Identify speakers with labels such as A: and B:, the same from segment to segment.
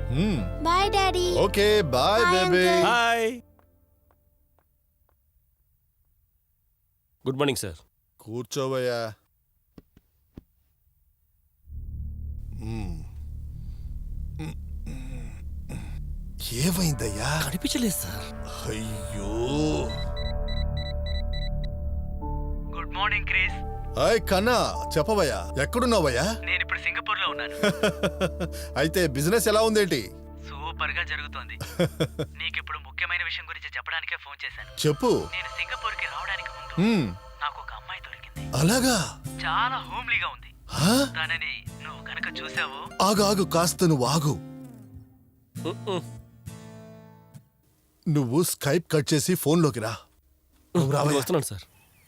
A: Bye daddy.
B: Okay bye baby.
C: Hi. Good morning sir.
B: కూర్చోవయ్యా. ఏమైందయ్యా?
C: కనిపించలేదు సార్.
B: అయ్యో.
D: Good morning Chris.
B: హాయ్ కన్నా, చెప్పవయ్యా. ఎక్కడున్నావయ్యా?
D: నేను ఇప్పుడు సింగపూర్ లో ఉన్నాను.
B: అయితే బిజినెస్ ఎలా ఉందేంటి?
D: సూపర్ గా జరుగుతోంది. నీకిప్పుడు ముఖ్యమైన విషయం గురించి చెప్పడానికే ఫోన్ చేశాను.
B: చెప్పు.
D: నేను సింగపూర్ కి రావడానికి ముందు నాకు ఒక అమ్మాయి దొరికింది.
B: అలాగా?
D: చాలా హోమ్లీగా ఉంది.
B: హా?
D: తనని నువ్వు గనక చూసావు.
B: ఆగు ఆగు, కాస్త నువ్వు ఆగు. నువ్వు స్కైప్ కట్ చేసి ఫోన్లోకి రా. నువ్వు రావయ్యా.
C: వస్తున్నాను సార్.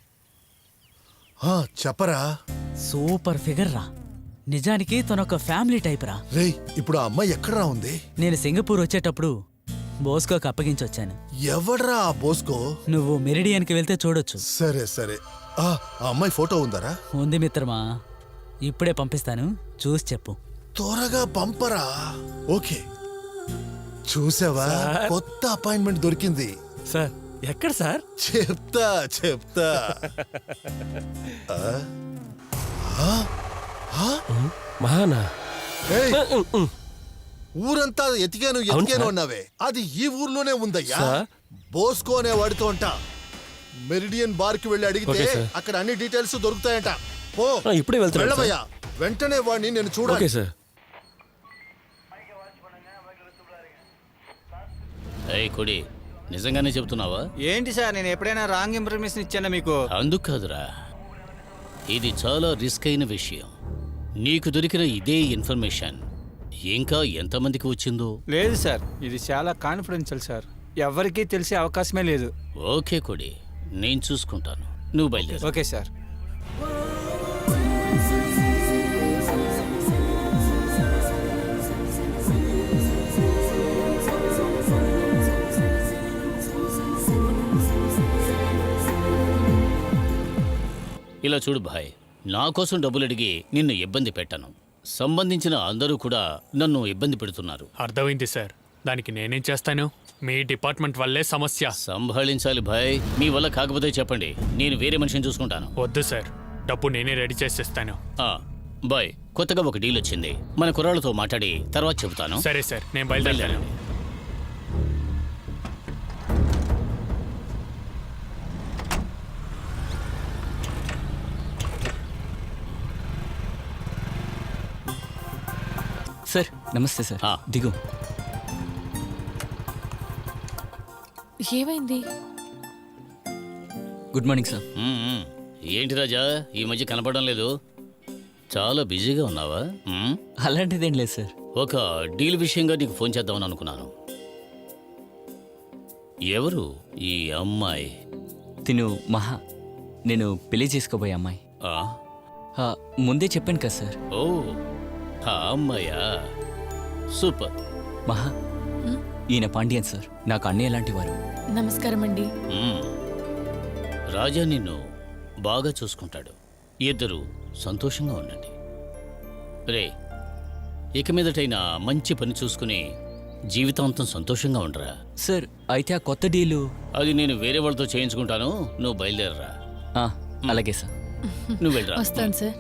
B: చెప్పరా.
D: సూపర్ ఫిగర్ రా. నిజానికి తనొక ఫ్యామిలీ టైప్ రా.
B: రేయ్, ఇప్పుడు ఆ అమ్మాయి ఎక్కడరా ఉంది?
D: నేను సింగపూర్ వచ్చేటప్పుడు బోస్కోకి అప్పగించొచ్చాను.
B: ఎవడ్రా ఆ బోస్కో?
D: నువ్వు మెరిడియన్ కి వెళ్తే చూడొచ్చు.
B: సరే సరే. ఆ అమ్మాయి ఫోటో ఉందరా?
D: ఉంది మిత్రమా, ఇప్పుడే పంపిస్తాను, చూసి చెప్పు.
B: త్వరగా పంపరా. ఓకే. చూసావా, కొత్త అపాయింట్మెంట్ దొరికింది.
C: సార్ ఎక్కడ సార్?
B: చెప్తా చెప్తా.
C: మహానా?
B: ఏయ్, ఊరంతా ఎతికాను ఎతికాను అన్నావే, అది ఈ ఊర్లోనే ఉందయ్యా. బోస్కో అనే వాడితో అంట. మెరిడియన్ బార్ కి వెళ్ళి అడిగితే అక్కడ అన్ని డీటెయిల్స్ దొరుకుతాయంట. పో,
C: ఇప్పుడే
B: వెళ్ళవయ్యా. వెంటనే వాడిని నేను చూడాలి.
C: సార్.
E: కొడి, నిజంగానే చెప్తున్నావా?
F: ఏంటి సార్, నేను ఎప్పుడైనా రాంగ్ ఇన్ఫర్మేషన్ ఇచ్చానా మీకు?
E: అందుకు కాదురా, ఇది చాలా రిస్క్ అయిన విషయం. నీకు దొరికిన ఇదే ఇన్ఫర్మేషన్ ఇంకా ఎంతమందికి వచ్చిందో?
F: లేదు సార్, ఇది చాలా కాన్ఫిడెన్షియల్ సార్, ఎవరికీ తెలిసే అవకాశమే లేదు.
E: ఓకే కొడి, నేను చూసుకుంటాను, నువ్వు బయలుదేరు.
F: Okay sir.
E: ఇలా చూడు భాయ్, నా కోసం డబ్బులు అడిగి నిన్ను ఇబ్బంది పెట్టను. సంబంధించిన అందరూ కూడా నన్ను ఇబ్బంది పెడుతున్నారు.
G: అర్థమైంది సార్, దానికి నేనేం చేస్తాను? మీ డిపార్ట్మెంట్ వల్లే సమస్య.
E: సంభాళించాలి భాయ్. మీ వల్ల కాకపోతే చెప్పండి, నేను వేరే మనిషిని చూసుకుంటాను.
G: వద్దు సార్, డబ్బు నేనే రెడీ చేసేస్తాను.
E: బాయ్, కొత్తగా ఒక డీల్ వచ్చింది, మన కుర్రాళ్ళతో మాట్లాడి తర్వాత చెబుతాను.
G: సరే సార్, నేను బయలుదేరాను.
D: సార్ నమస్తే సార్. దిగు.
H: ఏమైంది?
D: Good morning sir.
E: ఏంటి రాజా, ఈ మధ్య కనపడడం లేదు, చాలా బిజీగా ఉన్నావా?
D: అలాంటిదేం లేదు సార్.
E: ఒక డీల్ విషయంగా నీకు ఫోన్ చేద్దామని అనుకున్నాను. ఎవరు ఈ అమ్మాయి?
D: తిను మహా, నేను పెళ్లి చేసుకోబోయే అమ్మాయి. ముందే చెప్పాను కదా సార్.
E: ఓ, ఆ అమ్మాయా? సూపర్.
D: మహా, ఈయన పాండ్యన్ సార్, నాకు అన్నయ్య లాంటి వారు.
H: నమస్కారం అండి.
E: రాజా నిన్ను బాగా చూసుకుంటాడు, ఇద్దరు సంతోషంగా ఉండండి. రే, ఇక మీదటైనా మంచి పని చూసుకుని జీవితాంతం సంతోషంగా ఉండరా.
D: సార్ అయితే ఆ కొత్త డీలు
E: అది నేను వేరే వాళ్ళతో చేయించుకుంటాను, నువ్వు బయలుదేరరా.
D: అలాగే సార్.
E: నువ్వు వెళ్ళరా.
H: వస్తాను సార్.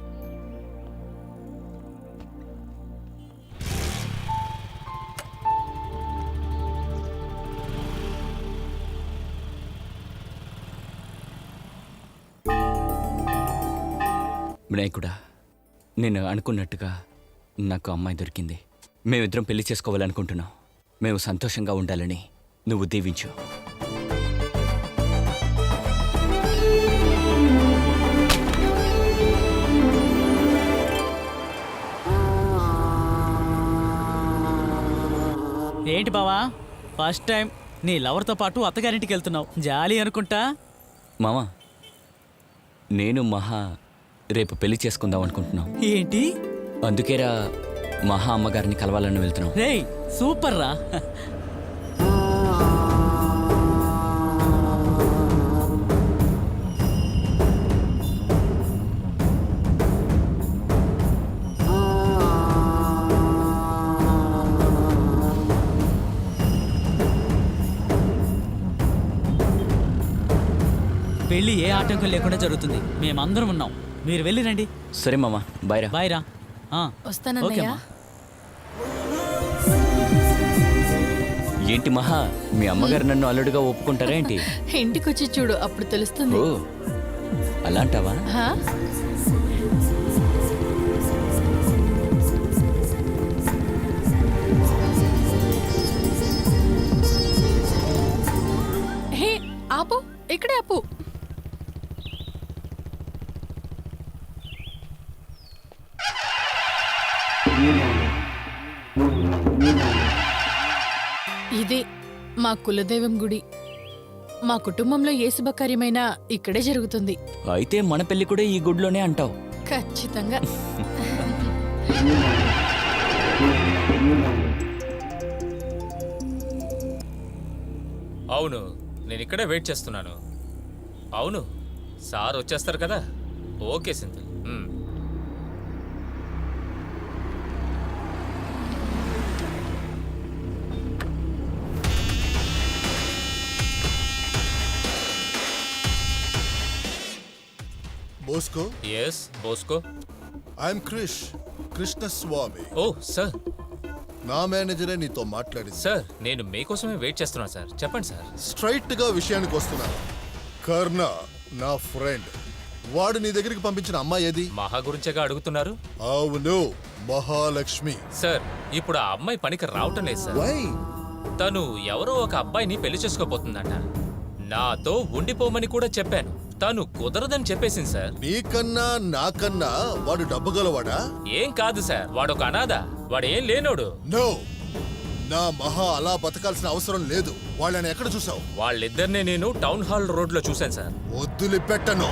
D: వినాయకుడా, నేను అనుకున్నట్టుగా నాకు అమ్మాయి దొరికింది. మేమిద్దరం పెళ్లి చేసుకోవాలనుకుంటున్నాం. మేము సంతోషంగా ఉండాలని నువ్వు దీవించు.
I: ఏంటి బావా, ఫస్ట్ టైం నీ లవర్తో పాటు అత్తగారింటికి వెళ్తున్నావు, జాలి అనుకుంటా.
D: మామా, నేను మహా రేపు పెళ్లి చేసుకుందాం అనుకుంటున్నాం.
I: ఏంటి?
D: అందుకేరా మహా అమ్మగారిని కలవాలని వెళ్తున్నాం.
I: రేయ్ సూపర్ రా. పెళ్లి ఏ ఆటంకం లేకుండా జరుగుతుంది. మేమందరం ఉన్నాం. మీరు వెళ్ళి రండి.
D: సరే మామ బాయ్ రా.
I: బాయ్ రా.
A: వస్తానన్నయ్య.
I: ఓకేమ్మా.
D: ఏంటి మహా, మీ అమ్మగారు నన్ను అల్లుడుగా ఒప్పుకుంటారా ఏంటి?
A: ఇంటికొచ్చి చూడు, అప్పుడు తెలుస్తుంది.
D: ఓ అలాంటావా?
A: హా? హే ఆపు, ఇక్కడే ఆపు. ఇదే మా కులదైవం గుడి. మా కుటుంబంలో ఏ శుభకార్యమైనా ఇక్కడే జరుగుతుంది.
D: అయితే మన పెళ్లి కూడా ఈ గుడిలోనే అంటావు?
A: ఖచ్చితంగా.
H: అవును, నేను ఇక్కడే వెయిట్ చేస్తున్నాను. అవును, సార్ వచ్చేస్తారు కదా. Okay Sindhu.
B: Bosco,
H: yes Bosco.
B: I'm Krishnaswamy.
H: Oh sir.
B: నా మేనేజరే నీతో మాట్లాడింది.
H: సార్ నేను మీకోసమే వెయిట్ చేస్తున్నాను సార్. చెప్పండి సార్.
B: స్ట్రైట్ గా విషయానికి వస్తున్నాను. కర్ణ నా ఫ్రెండ్. వాడు నీ దగ్గరికి పంపించిన అమ్మాయి ఏది?
H: మహా గురించేగా అడుగుతున్నారు?
B: అవును, మహాలక్ష్మి.
H: సార్ ఇప్పుడు ఆ అమ్మాయి పనికి రావటం లేదు సార్.
B: వై?
H: తను ఎవరో ఒక అబ్బాయిని పెళ్లి చేసుకోబోతుందంట. నాతో ఉండిపోమని కూడా చెప్పాను. తను కుదరదని చెప్పేసింది సార్.
B: నీకన్నా నాకన్నా వాడు డబ్బు గలవాడా?
H: ఏం కాదు సార్, వాడొక అనాథ. వాడేం లేనోడు.
B: నో, నా మహా అలా బతకాల్సిన అవసరం లేదు. వాళ్ళని ఎక్కడ చూసావు?
H: వాళ్ళిద్దరినే నేను టౌన్ హాల్ రోడ్ లో చూశాను సార్.
B: వదిలిపెట్టను.